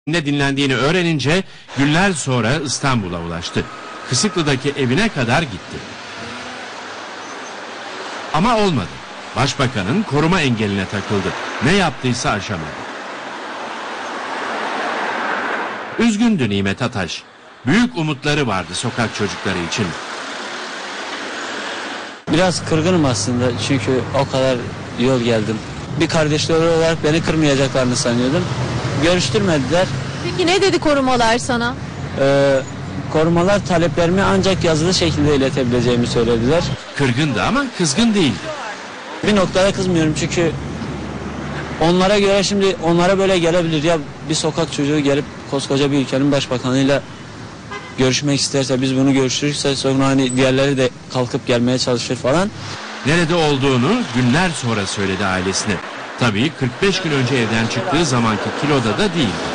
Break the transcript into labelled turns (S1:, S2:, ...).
S1: dinlendiğini öğrenince günler sonra İstanbul'a ulaştı. Kısıklı'daki evine kadar gitti. Ama olmadı. Başbakanın koruma engeline takıldı. Ne yaptıysa aşamadı. Üzgündü Nimet Ataş. Büyük umutları vardı sokak çocukları için.
S2: Biraz kırgınım aslında çünkü o kadar yol geldim. Bir kardeşleri olarak beni kırmayacaklarını sanıyordum. Görüştürmediler.
S3: Peki ne dedi korumalar sana?
S2: Korumalar taleplerimi ancak yazılı şekilde iletebileceğimi söylediler.
S1: Kırgındı ama kızgın değildi.
S2: Bir noktada kızmıyorum çünkü onlara göre şimdi onlara böyle gelebilir ya, bir sokak çocuğu gelip koskoca bir ülkenin başbakanıyla görüşmek isterse, biz bunu görüşürse sonra hani diğerleri de kalkıp gelmeye çalışır falan.
S1: Nerede olduğunu günler sonra söyledi ailesine. Tabii 45 gün önce evden çıktığı zamanki kiloda da değildi.